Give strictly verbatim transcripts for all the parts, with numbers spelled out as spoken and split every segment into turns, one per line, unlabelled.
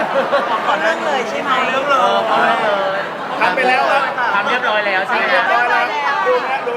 เอาเรื่องเลยใช่ไหม
เรื่องเลยเอาเรื่องเลยทำไปแล้วครับทำเรียบร้อยแล้วใช่ไหม
เรียบร้อยแล้วดูนะดู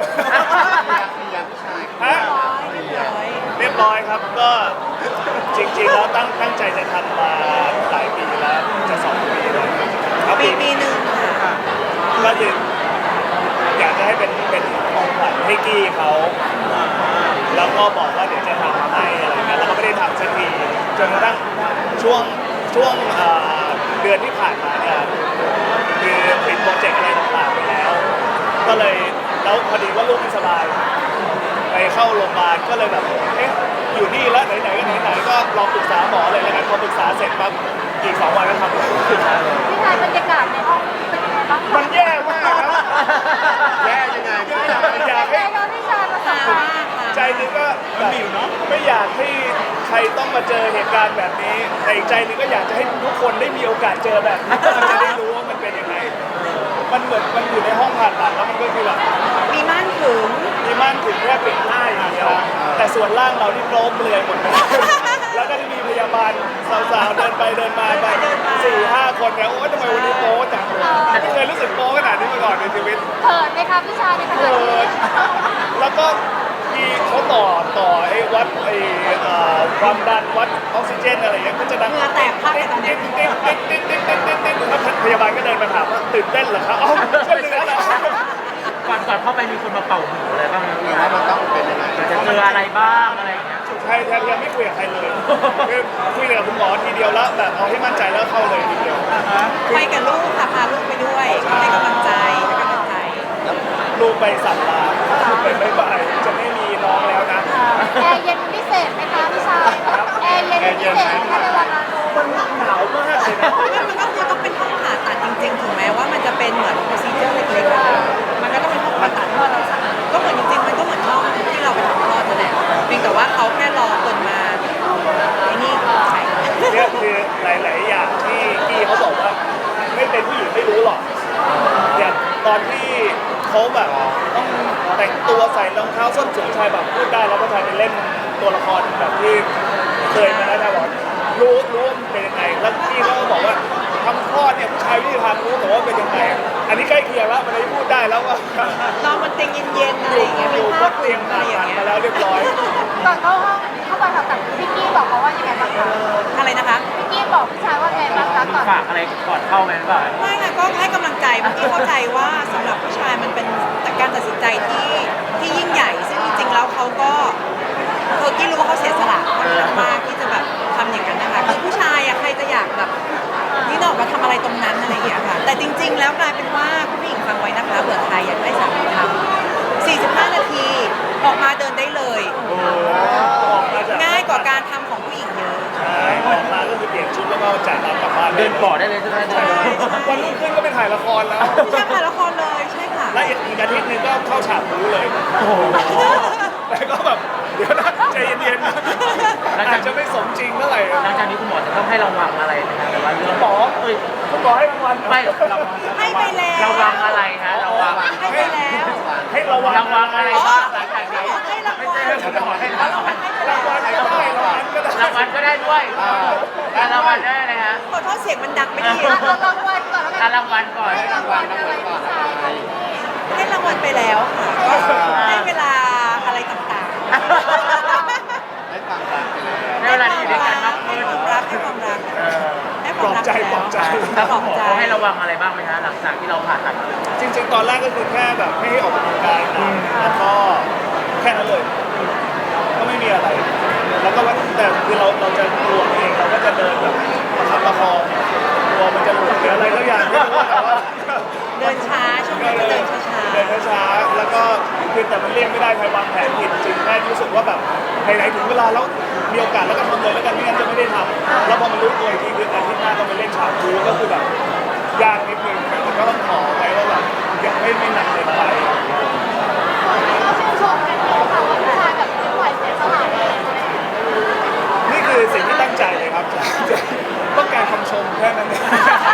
ฮะเรียบร้อยครับก็จริงๆแล้วตั้งตั้งใจจะทำมาหลายปีแล้วจะสองปีแล้วครับ
ปีปีหนึ่งค่ะ
ก็คืออยากจะให้เป็นเป็นของขวัญให้กี้เขาแล้วก็บอกว่าเดี๋ยวจะทำให้อะไรเงี้ยแล้วก็ไม่ได้ทำสักทีจนกระทั่งช่วงช่วงเอ่อเดือนที่ผ่านมาเนี่ยคือปิดโปรเจกต์อะไรต่างๆไปแล้ว ก็เลยแล้วพอดีว่าลูกไม่สบายไปเข้าโรงพยาบาลก็เลยแบบเอ๊ะอยู่นี่แล้วไหนๆก็ไหนๆก็ลองปรึกษาหมอเลยแล้วกันพอปรึกษาเสร็จปั๊บอีกสองวันก็ทำเลย
พี่ชายบรรยากาศในห้องเป็นยังไงบ้าง
มันแย่มากครับแย่ยังไงอยากให้
แล้วพี่ชายประสบการณ์
ใจนึงก็แบบไม่อยากให้ใครต้องมาเจอเหตุการณ์แบบนี้แต่อีกใจนึงก็อยากจะให้ทุกคนได้มีโอกาสเจอแบบนี้มันจะได้รู้ว่ามันเป็นยังไงมันเหมือนมันอยู่ในห้องผ่าตัดแล้วมันก็คือแบบ
มีม่านถึง
มีม่านถึงแค่ปิดหน้าอย่างเดียวแต่ส่วนล่างเรานี่โปร่งเปลือยหมดเลยแล้วก็จะมีพยาบาลสาวๆเดินไปเดินมาแบบสี่ห้าคนเนี่ยโอ้ยทำไมวันนี้โป๊จังไม่เคยรู้สึกโป๊ขนาดนี้มาก่อนในชีวิต
เขินไหมคะพี่ชายในขณะ
เกิ
ที่
ดแล้วก็มีเขาต่อต่อไอ้วัดไอ้เอ่อความดันวัดออกซิเจนอะไรอย่างเงี้ยก็จะดัง
เหงื่อแตกภาพตอนนี้
ติ๊ดติ๊ดติ๊ดติ๊ดติ๊ดติ๊ดติ๊ดติ๊ดแล้วพยาบาลก็เดินมาถามว่าตื่นเต้นเหรอครับอ๋อช่วยเหลือเหรอ
ก่อนก่อนเข้าไปมีคนมาเป่าหูอะไรบ้างไหม
ว่ามันต้องเป็นยังไง
จะเจออะไรบ้างอะไรอย่างเงี้ย
ใช่แทบยังไม่คุยกับใครเลยคือคุยกับคุณหมอทีเดียวแล้วแบบเอาให้มั่นใจแล้วเข้าเลยทีเดียว
ไปกับลูกค่ะพาลูกไปด้วยก็ให้กำลังใจให้กำลังใจ
ลูกไปสัตว์ลาไปบายบายจะไม่มีน้องแล้วนะ
แอร์เย็นพิเศษไหมคะพี่ชายแอร์เย็นพิเศษไหมคะในวันนั้น
มันหนาวมากเลยนะ
มันก็คือต้องเป็นห้องผ่าตัดจริงๆถึงแม้ว่ามันจะเป็นเหมือน procedure เล็กๆอะมันก็ต้องเป็นห้องผ่าตัดที่เราสะอาดก็เหมือนจริงๆมันก็เหมือนห้องที่เราไปทำคลอดนั่นแหละเพียงแต่ว่าเขาแค่รอคนมาไอ้นี่ใส่
เนี่ยคือหลาย ๆ อย่างที่กี้เขาบอกว่าไม่เป็นผู้หญิงไม่รู้หรอกอย่างตอนที่เขาแบบต้องแต่งตัวใส่รองเท้าส้นสูงชายแบบพูดได้แล้วก็ชายไปเล่นตัวละครแบบที่เคยมาแล้วนะบอกรู้รู้ว่ามันเป็นยังไงแล้วกี้เขาก็บอกว่าทำคลอดเนี่ยผู้ชายวิธีทำรู้แต่ว่าเป็นยังไงอันนี้ใกล้เคียงแล้วมันได้พูดได้แล้วว่า
นอนบนเตียงเย็นๆอะไรอย่างเงี้ย
อ
เป็น
ยู่บ
ผ้าน คลุ
เตียง
ม
ผ่า
อะไรอย่า
ตัด
งเงี้ย
มาแล้วเรียบร้อย
ก่อนเข้าห้องเข้าไปผ่าตัดพี่กี้บอกเขาว่ายังไงบ้างคะ
อะไรนะคะ
พี่กี้บอกพี่ชายว่าไงบ้างคะก่อน
ฝากอะไรก่อนเข้าไหมหรือเปล่า
ไม่ค่ะก็ให้กำลังใจเมื่อกี้เข้าใจว่าสำหรับผู้ชายมันเป็นการตัดสินใจที่ที่ยิ่งใหญ่ ซึ่งจริงๆแล้วเขาก็เออกี้รู้ว่าเขาเสียสละมากที่จะแบบทำอย่างนั้นนะคะคือผู้ชายอะใครจะอยากแบบนี่ออกมาทำอะไรตรงนั้นอะไรอย่างเงี้ยค่ะแต่จริง ๆ แล้วกลายเป็นว่าคุณผู้หญิงฟังไว้นะคะเผื่อใครอยากได้สามีทำสี่สิบห้านาทีออกมาเดินได้เลย
โอ้ออกมาจาก
ง่ายกว่าการทำของผู้หญิงเยอะ
ใช่ออกมาก็คือเปลี่ยนชุดแล้วก็จ่ายตังค์กลับบ้าน
เดินก่อได้เลยใช่ไหมเดิน
วันรุ่งขึ้นก็ไปถ่ายละครแล้ว
ผู้ชายถ่ายละครเลยใช่ค่ะ
และอีกอาทิตย์หนึงก็เข้าฉากบู๊เลย
โอ้โห
แต่ก็แบบเดี๋ยวนะใจเย็นๆนะอาจจะไม่สมจริงเท่าไหร่
หลังจากนี้คุณหมอจะต้องให้รางวัลอะไรนะครับแต่ว่าเรื่อง
หมอเอ้ยคุณหมอให้รางวัล
ไม่รางวัล
ให้ไปแล้ว
รางวัลอะไรฮะรางวัล
ให้ไปแล้ว
ให้ระวัง
รางวัลอะไรบ้างหลังจากนี้
ให้ราง
ไม่
วั
ใช่
ล
เรื่องคุณหมอให้รางวัล
รางวัลก็ได้รางวัลก็ได้
รางวัลก็ได้ด้วยการรางวัลได้เลยฮะ
ขอโทษเสียงมันดังไม่ดี
อ่ะเอารางวัลก่อนแล้วกั
การรางวัลก่อน
ให้รางวัลอะไรพี่ชายคะ
ให้รางวัลไปแล้วค่ะก็ให้เวลาอะไรต่างๆ
ให้ฟังรักไปเลย
ให้เวลาที่อยู่ด้วยกันมากขึ้น
ให้ความรักให้ความรักให้ค
ปล
วาม
อบ
รัก
ใจปลอบใจ
แล้ว
ปลอบ
หมอ
ใจ
เขาให้ระวังอะไรบ้างไหมฮะหลังจากที่เราผ่าตัด
จริงๆ ตอนแรกก็คือแค่แบบไม่ให้ออกกำลังกายนะแล้วก็แค่นั้นเลย ก็ไม่มีอะไร แล้วก็ว่าแต่คือเราเราจะกลัวเองเราก็จะเดินแบบประคับประคองกลัวมันจะหลุดหรืออะไรก็อย่างไม่รู้แต่ว่า
เดินช้าช่วงนี้จะเดินช้า
เดินช้าๆแล้วก็คือแต่มันเลี่ยงไม่ได้ใครวางแผนผิดจริงแค่รู้สึกว่าแบบไหนๆถึงเวลาแล้วมีโอกาสแล้วก็ทำเลยแล้วกันไม่งั้นจะไม่ได้ทำแล้วพอมันรู้ตัวอีกทีคืออาทิตย์หน้าต้องไปเล่นฉากคูก็คือแบบยากนิดนึงแต่ก็ต้องขอไปว่าแบบอย่าให้ไม่หนักเกินไป
ก็ชื่นชมกันเลยค่ะว่าพี่ชายแบบไม่ไหวเสียสละเลย
นี่คือสิ่งที่ตั้งใจเลยครับ ต้องการคำชมแค่นั้นเอง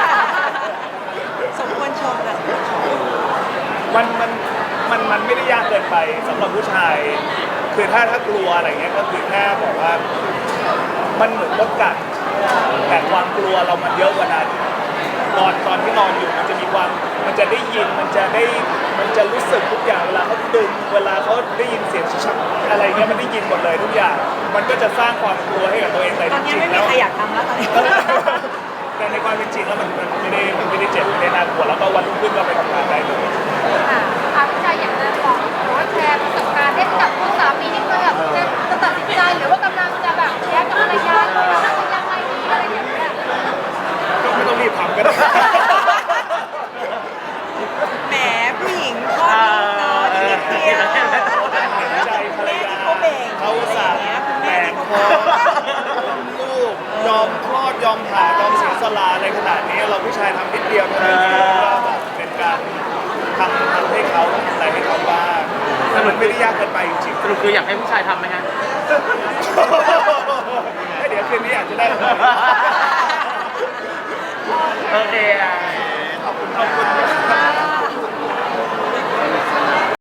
ๆสมควรชมค่ะสมควรชม
มันมันมันมันไม่ได้ยากเกินไปสำหรับผู้ชาย คือถ้าถ้ากลัวอะไรเงี้ยก็คือแค่บอกว่ามันเหมือนมดกัดแต่ความกลัวเรามันเยอะกว่านั้นนอนตอนที่นอนอยู่มันจะมีความมันจะได้ยินมันจะได้มันจะรู้สึกทุกอย่างเวลาเขาดึงเวลาเขาได้ยินเสียงชักอะไรเงี้ยมันได้ยินหมดเลยทุกอย่าง มันก็จะสร้างความกลัวให้กับตัวเองแต่
ตอน
จ
นี้
ริง
ไม่
ๆ
มี
แล้ว
ใครอยากทำแล้วตอนนี้
แต่ในความเป็นจริงแล้วมันมันไม่ได้มันไม่ได้เจ็บไม่ได้น่ากลัวแล้วก็วันรุ่งขึ้นก็ไปทำงานได้เลย
ค่ะอาพี่ชายอยากจะบอกหรือว่าแชร์ประสบการณ์ให้กับคุณสามีที่เคยแบบจะจะตัดสินใจหรือว่ากำลังจะแบบแยกกับภรรยาหรือว่าจะยังไงดีอะไรอย่างเงี้ย
ก็ไม่ต้องรีบทำก็ได้
แหมผู้หญิงคลอดลูกเนาะนิดเดียว
ใจภรรยา
เขาเบ่ง
เขาสั่ง
คุณ
แต
แม่
ก
ที่
ค
เขา
อ
เบ่ง
ลูกยอมคลอดยอมผ่ายอมเสียสละอะไรขนาดนี้เราผู้ชายทำนิดเดียวเท่านั้นเองก็แบบเป็นการทำทำให้เขาทำอะไรให้เขาบ้างแต่มันไม่ได้ยากเกินไปจริง
สรุปคืออยากให้ผู้ชายทำไหมฮะ
ๆให้เดี๋ยวคืนนี้อาจจะได้
โอเคอ่ะ